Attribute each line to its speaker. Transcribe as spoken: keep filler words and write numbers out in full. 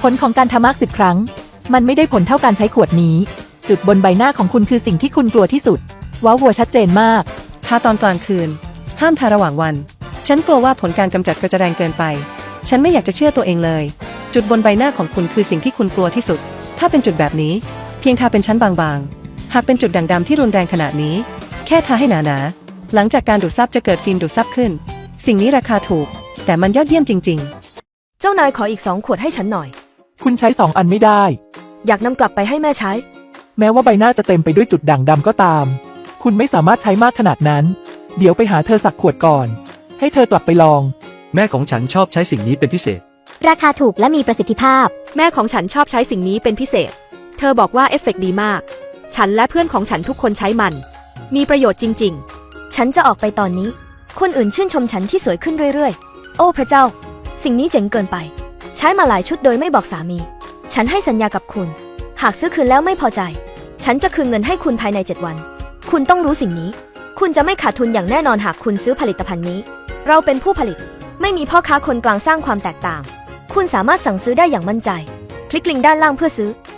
Speaker 1: ผลของการทำมากสิบครั้งมันไม่ได้ผลเท่าการใช้ขวดนี้จุดบนใบหน้าของคุณคือสิ่งที่คุณกลัวที่สุดว้าววัวชัดเจนมาก
Speaker 2: ทาตอนกลางคืนห้ามทาระหว่างวันฉันกลัวว่าผลการกำจัดก็จะแรงเกินไปฉันไม่อยากจะเชื่อตัวเองเลยจุดบนใบหน้าของคุณคือสิ่งที่คุณกลัวที่สุดถ้าเป็นจุดแบบนี้เพียงทาเป็นชั้นบางๆหากเป็นจุดด่างดำที่รุนแรงขนาดนี้แค่ทาให้หนาๆหลังจากการดูดซับจะเกิดฟิล์มดูดซับขึ้นสิ่งนี้ราคาถูกแต่มันยอดเยี่ยมจริง
Speaker 3: ๆเจ้านายขออีกสองขวดให้ฉันหน่อย
Speaker 1: คุณใช้สองอันไม่ได้
Speaker 3: อยากนำกลับไปให้แม่ใช้
Speaker 1: แม้ว่าใบหน้าจะเต็มไปด้วยจุดด่างดำก็ตามคุณไม่สามารถใช้มากขนาดนั้นเดี๋ยวไปหาเธอสักขวดก่อนให้เธอกลับไปลอง
Speaker 4: แม่ของฉันชอบใช้สิ่งนี้เป็นพิเศษ
Speaker 5: ราคาถูกและมีประสิทธิภาพ
Speaker 6: แม่ของฉันชอบใช้สิ่งนี้เป็นพิเศษเธอบอกว่าเอฟเฟกต์ดีมากฉันและเพื่อนของฉันทุกคนใช้มันมีประโยชน์จริง
Speaker 3: ๆฉันจะออกไปตอนนี้คนอื่นชื่นชมฉันที่สวยขึ้นเรื่อยๆโอ้พระเจ้าสิ่งนี้เจ๋งเกินไปใช้มาหลายชุดโดยไม่บอกสามีฉันให้สัญญากับคุณหากซื้อคืนแล้วไม่พอใจฉันจะคืนเงินให้คุณภายในเจ็ดวันคุณต้องรู้สิ่งนี้คุณจะไม่ขาดทุนอย่างแน่นอนหากคุณซื้อผลิตภัณฑ์นี้เราเป็นผู้ผลิตไม่มีพ่อค้าคนกลางสร้างความแตกต่างคุณสามารถสั่งซื้อได้อย่างมั่นใจคลิกลิงก์ด้านล่างเพื่อซื้อ